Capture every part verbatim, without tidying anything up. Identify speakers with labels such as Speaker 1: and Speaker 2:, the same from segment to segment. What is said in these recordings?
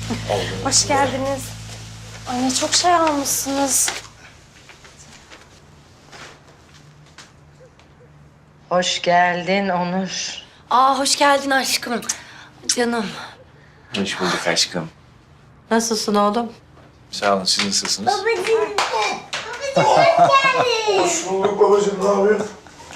Speaker 1: Hoş geldiniz. Anne çok şey almışsınız.
Speaker 2: Hoş geldin Onur.
Speaker 1: Aa hoş geldin aşkım. Canım.
Speaker 3: Hoş bulduk aşkım.
Speaker 2: Nasılsın oğlum?
Speaker 3: Sağ olun, siz nasılsınız?
Speaker 4: Hoş bulduk babacığım, ne yapıyorsun?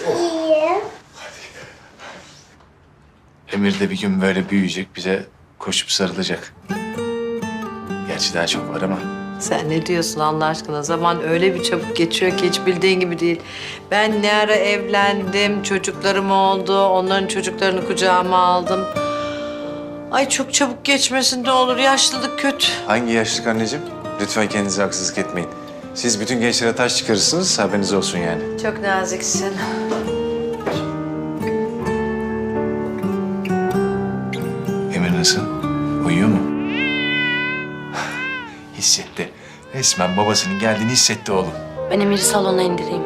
Speaker 3: Emir de bir gün böyle büyüyecek, bize koşup sarılacak. Gerçi daha çok var ama.
Speaker 2: Sen ne diyorsun Allah aşkına? Zaman öyle bir çabuk geçiyor ki hiç bildiğin gibi değil. Ben ne ara evlendim, çocuklarım oldu, onların çocuklarını kucağıma aldım. Ay çok çabuk geçmesin de olur, yaşlılık kötü.
Speaker 3: Hangi yaşlık anneciğim? Lütfen kendinize haksızlık etmeyin. Siz bütün gençlere taş çıkarırsınız, haberiniz olsun yani.
Speaker 2: Çok naziksin.
Speaker 3: Emir nasıl? Uyuyor mu? Hissetti. Resmen babasının geldiğini hissetti oğlum.
Speaker 1: Ben Emir'i salona indireyim.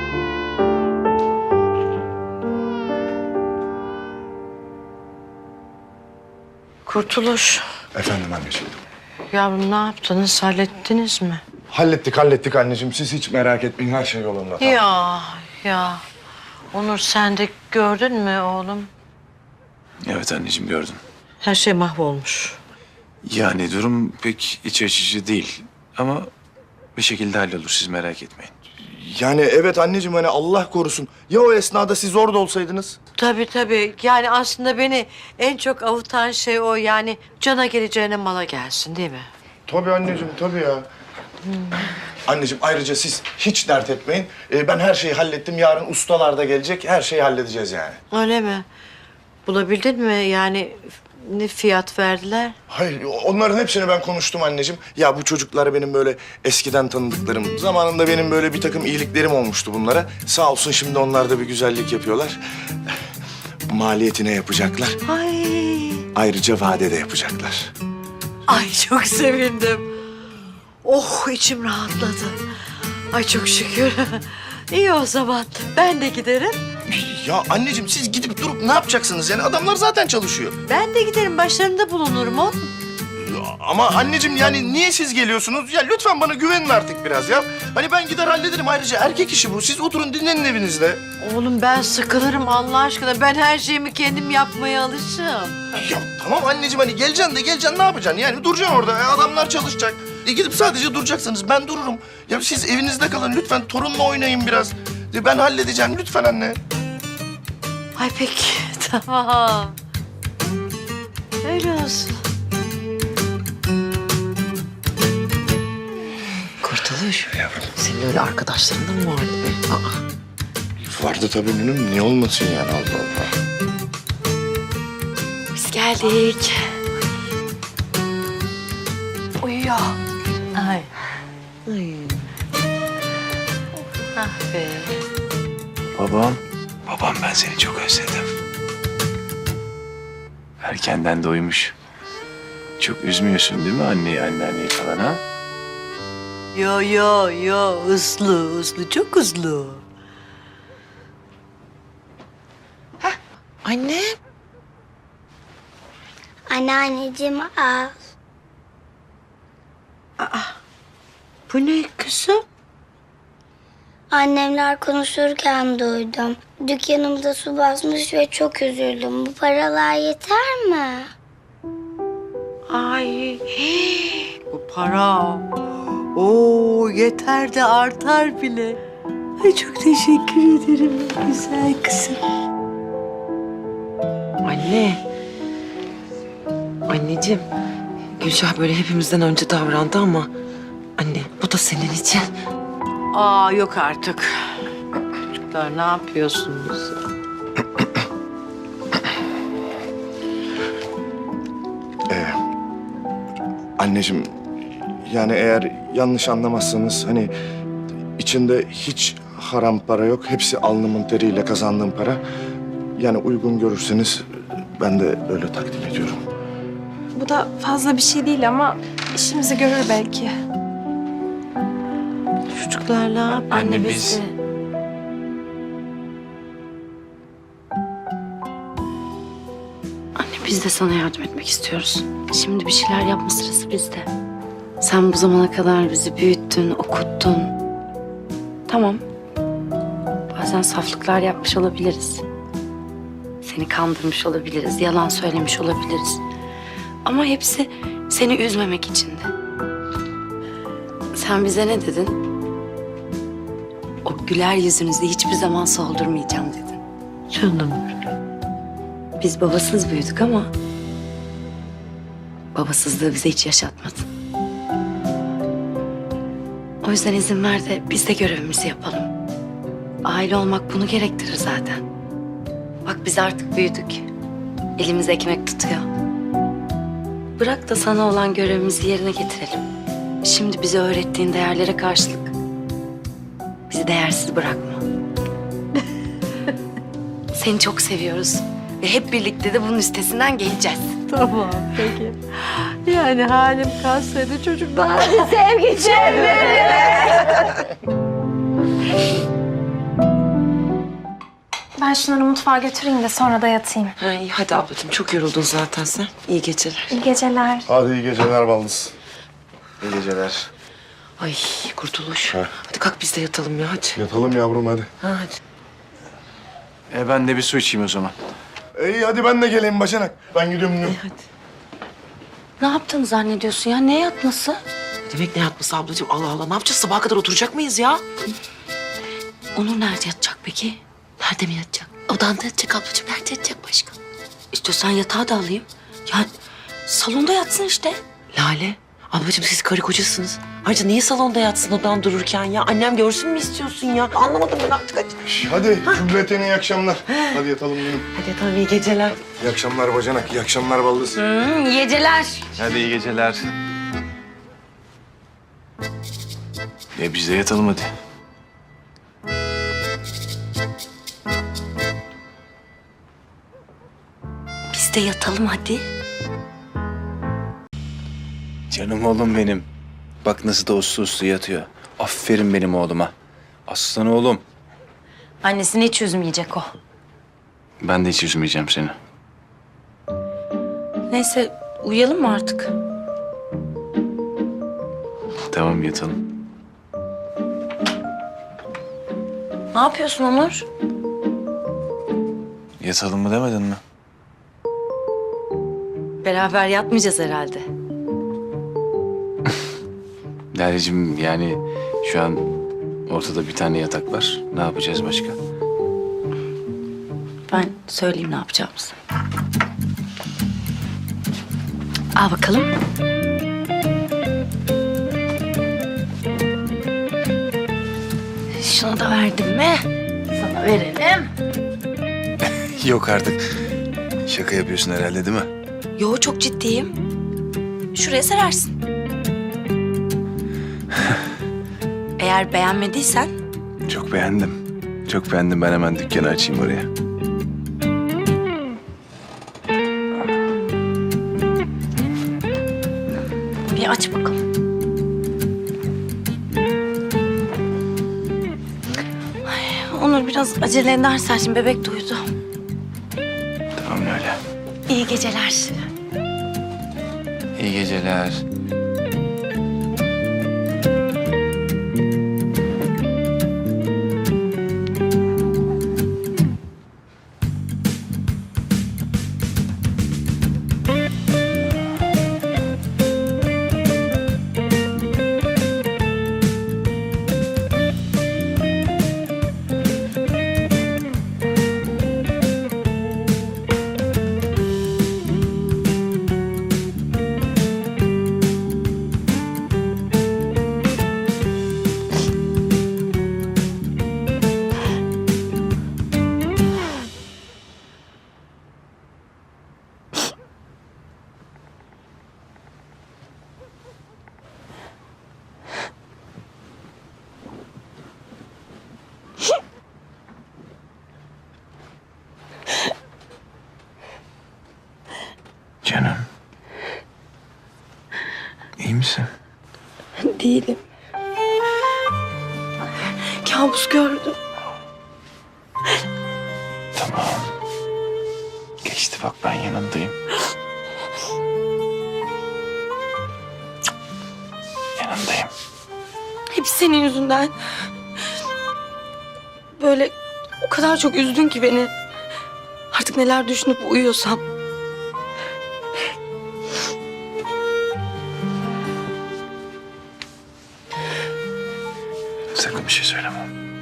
Speaker 2: Kurtuluş.
Speaker 4: Efendim anneciğim.
Speaker 2: Yavrum ne yaptınız, hallettiniz mi?
Speaker 4: Hallettik, hallettik anneciğim. Siz hiç merak etmeyin, her şey yolunda. Tamam.
Speaker 2: Ya, ya. Onur sen de gördün mü oğlum?
Speaker 3: Evet anneciğim, gördüm.
Speaker 2: Her şey mahvolmuş.
Speaker 3: Yani durum pek iç açıcı değil. Ama bir şekilde hallolur, siz merak etmeyin.
Speaker 4: Yani evet anneciğim, hani Allah korusun. Ya o esnada siz orada olsaydınız?
Speaker 2: Tabii tabii. Yani aslında beni en çok avutan şey o. Yani cana geleceğine mala gelsin değil mi?
Speaker 4: Tabii anneciğim, tabii ya. Anneciğim ayrıca siz hiç dert etmeyin. Ee, ben her şeyi hallettim. Yarın ustalar da gelecek. Her şeyi halledeceğiz yani.
Speaker 2: Öyle mi? Bulabildin mi? Yani ne fiyat verdiler?
Speaker 4: Hayır, onların hepsini ben konuştum anneciğim. Ya bu çocuklar benim böyle eskiden tanıdıklarım. Zamanında benim böyle bir takım iyiliklerim olmuştu bunlara. Sağ olsun şimdi onlar da bir güzellik yapıyorlar. Maliyetine yapacaklar.
Speaker 2: Ay,
Speaker 4: Ayrıca vadede yapacaklar.
Speaker 2: ay çok sevindim. Oh içim rahatladı. Ay çok şükür. İyi o zaman. Ben de giderim.
Speaker 4: Ya anneciğim siz gidip durup ne yapacaksınız? Yani adamlar zaten çalışıyor.
Speaker 2: Ben de giderim. Başlarında bulunurum oğlum.
Speaker 4: Ya ama anneciğim yani niye siz geliyorsunuz? Ya lütfen bana güvenin artık biraz ya. Hani ben gider hallederim. Ayrıca erkek işi bu. Siz oturun dinlenin evinizde.
Speaker 2: Oğlum ben sıkılırım Allah aşkına. Ben her şeyimi kendim yapmaya alışığım.
Speaker 4: Ya tamam anneciğim hani geleceksin de geleceksin ne yapacaksın? Yani duracaksın orada. E, adamlar çalışacak. E, gidip sadece duracaksınız. Ben dururum. Ya siz evinizde kalın lütfen. Torunla oynayın biraz. E, ben halledeceğim lütfen anne.
Speaker 2: Ay peki tamam. Öyle olsun. Kurtuluş. Senin öyle arkadaşların da mı vardı be? Aa.
Speaker 4: Vardı tabii benim. Niye olmasın yani Allah Allah.
Speaker 1: Biz geldik. Uyuyor.
Speaker 2: Ay. Ay. Ah be.
Speaker 3: Babam, babam ben seni çok özledim. Erkenden doymuş. Çok üzmüyorsun değil mi anneyi, anneanneyi falan ha?
Speaker 2: Yo yo yo hızlı hızlı çok hızlı. Hah anne.
Speaker 5: Anneanneciğim al.
Speaker 2: Bu ne kızım?
Speaker 5: Annemler konuşurken duydum. Dükkanımda su basmış ve çok üzüldüm. Bu paralar yeter mi?
Speaker 2: Ay hii, bu para. Oo yeter de artar bile. Ay çok teşekkür ederim güzel kızım.
Speaker 6: Anne. Anneciğim. Gülşah böyle hepimizden önce davrandı ama... Anne bu da senin için.
Speaker 2: Aa yok artık. Çocuklar ne yapıyorsunuz?
Speaker 4: Ee, anneciğim yani eğer yanlış anlamazsanız hani içinde hiç haram para yok. Hepsi alnımın teriyle kazandığım para. Yani uygun görürseniz ben de öyle takdim ediyorum.
Speaker 1: Bu da fazla bir şey değil ama işimizi görür belki.
Speaker 2: Çocuklar ne yap?
Speaker 3: Anne biz...
Speaker 6: Anne biz
Speaker 7: Biz de sana yardım etmek istiyoruz. Şimdi bir şeyler yapma sırası bizde. Sen bu zamana kadar bizi büyüttün, okuttun. Tamam. Bazen saflıklar yapmış olabiliriz. Seni kandırmış olabiliriz, yalan söylemiş olabiliriz. Ama hepsi seni üzmemek içindi. Sen bize ne dedin? O güler yüzünüzü hiçbir zaman soldurmayacağım dedin.
Speaker 2: Canım.
Speaker 7: Biz babasız büyüdük ama babasızlığı bize hiç yaşatmadın. O yüzden izin ver de biz de görevimizi yapalım. Aile olmak bunu gerektirir zaten. Bak biz artık büyüdük. Elimiz ekmek tutuyor. Bırak da sana olan görevimizi yerine getirelim. Şimdi bize öğrettiğin değerlere karşılık bizi değersiz bırakma. Seni çok seviyoruz ve hep birlikte de bunun üstesinden geleceğiz.
Speaker 2: Tamam peki. Yani halim kalsaydı çocuklar.
Speaker 1: Ben şunları mutfağa götüreyim de sonra da yatayım.
Speaker 6: Ha, iyi hadi ablacığım çok yoruldun zaten sen. İyi geceler.
Speaker 1: İyi geceler.
Speaker 4: Hadi iyi geceler Baldız.
Speaker 3: İyi geceler.
Speaker 6: Ay Kurtuluş.
Speaker 4: Ha.
Speaker 6: Hadi kalk biz de yatalım ya hadi.
Speaker 4: Yatalım yavrum hadi.
Speaker 6: Ha, hadi.
Speaker 3: E ben de bir su içeyim o zaman.
Speaker 4: İyi hadi ben de geleyim Bacanak. Ben gidiyorum.
Speaker 6: İyi hadi.
Speaker 7: Ne yaptığını zannediyorsun ya? Ne yatması?
Speaker 6: Ne demek ne yatması ablacığım? Allah Allah ne yapacağız? Sabaha kadar oturacak mıyız ya?
Speaker 7: Onur nerede yatacak peki?
Speaker 6: Nerede mi yatacak? Odanda yatacak ablacığım. Nerede yatacak başka?
Speaker 7: İstiyorsan yatağı da alayım. Ya salonda yatsın işte.
Speaker 6: Lale. Ablacığım siz karı kocasınız. Ayrıca niye salonda yatsın odan dururken ya? Annem görsün mü istiyorsun ya? Anlamadım ben artık hadi.
Speaker 4: Şş, hadi Cümleten iyi akşamlar. Hadi yatalım benim.
Speaker 6: Hadi yatalım iyi geceler.
Speaker 4: İyi akşamlar Bacanak. İyi akşamlar Baldız.
Speaker 7: Hmm, iyi geceler.
Speaker 3: Hadi iyi geceler. E biz de yatalım hadi.
Speaker 7: Biz de yatalım hadi.
Speaker 3: Canım oğlum benim. Bak nasıl da uslu uslu yatıyor. Aferin benim oğluma. Aslan oğlum.
Speaker 7: Annesini hiç üzmeyecek o.
Speaker 3: Ben de hiç üzmeyeceğim seni.
Speaker 7: Neyse uyuyalım mı artık?
Speaker 3: Tamam yatalım.
Speaker 7: Ne yapıyorsun Onur?
Speaker 3: Yatalım mı demedin mi?
Speaker 7: Beraber yatmayacağız herhalde.
Speaker 3: Lale'cim yani şu an ortada bir tane yatak var. Ne yapacağız başka?
Speaker 7: Ben söyleyeyim ne yapacağımızı. Al bakalım. Şunu da verdim mi? Sana verelim.
Speaker 3: Yok artık. Şaka yapıyorsun herhalde değil mi?
Speaker 7: Yo çok ciddiyim. Şuraya serersin. Eğer beğenmediysen
Speaker 3: Çok beğendim. Çok beğendim. Ben hemen dükkanı açayım oraya.
Speaker 7: bir aç bakalım. Ay, Onur biraz acele edersen şimdi bebek duydu.
Speaker 3: Tamam öyle.
Speaker 7: İyi geceler.
Speaker 3: İyi geceler. Canım. İyi misin?
Speaker 7: Değilim. Kabus gördüm.
Speaker 3: Tamam. Geçti bak ben yanındayım. Yanındayım.
Speaker 1: Hep senin yüzünden. Böyle o kadar çok üzdün ki beni. Artık neler düşünüp uyuyorsam.
Speaker 3: Sakın bir şey söyleme.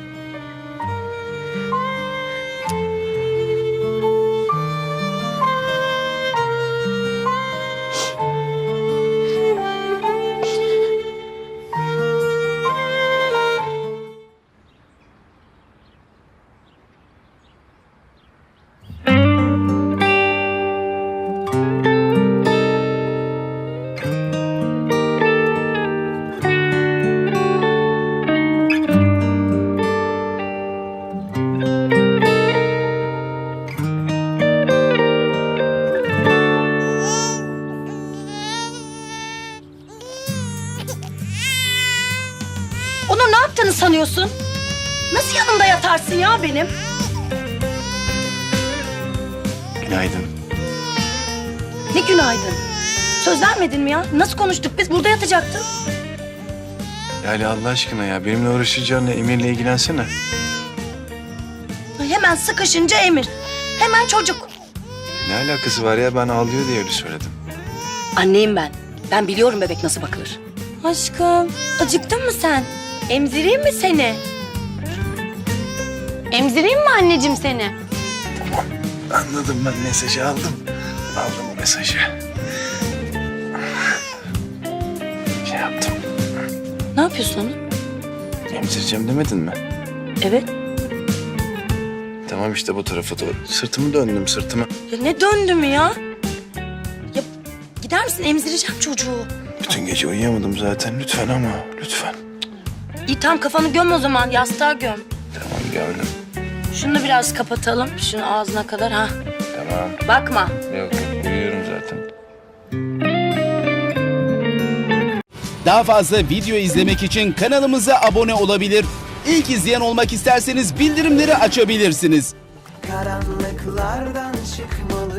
Speaker 7: Onur ne yaptığını sanıyorsun? Nasıl yanımda yatarsın ya benim?
Speaker 3: Günaydın.
Speaker 7: Ne günaydın. Söz vermedin mi ya? Nasıl konuştuk biz? Burada yatacaktın.
Speaker 3: Lale Allah aşkına ya benimle uğraşacağına Emir'le ilgilensene.
Speaker 7: Hemen sıkışınca Emir. Hemen çocuk.
Speaker 3: Ne alakası var ya ben ağlıyor diye öyle söyledim.
Speaker 7: Anneyim ben. Ben biliyorum bebek nasıl bakılır. Aşkım, acıktın mı sen? Emzireyim mi seni? Emzireyim mi anneciğim seni?
Speaker 3: Anladım ben mesajı aldım. Aldım mesajı. Şey yaptım.
Speaker 7: Ne yapıyorsun onu?
Speaker 3: Emzireceğim demedin mi?
Speaker 7: Evet.
Speaker 3: Tamam işte bu tarafa doğru. Sırtımı döndüm sırtımı.
Speaker 7: Ya ne döndü mü ya? Ya gider misin? Emzireceğim çocuğu.
Speaker 3: Bütün gece uyuyamadım zaten lütfen ama lütfen.
Speaker 7: İyi tamam kafanı göm o zaman. Yastığa göm.
Speaker 3: Tamam gördüm.
Speaker 7: Şunu da biraz kapatalım. Şunu ağzına kadar ha.
Speaker 3: Tamam.
Speaker 7: Bakma.
Speaker 3: Yok yok uyuyorum zaten.
Speaker 8: Daha fazla video izlemek için kanalımıza abone olabilir. İlk izleyen olmak isterseniz bildirimleri açabilirsiniz.
Speaker 9: Karanlıklardan çıkmalı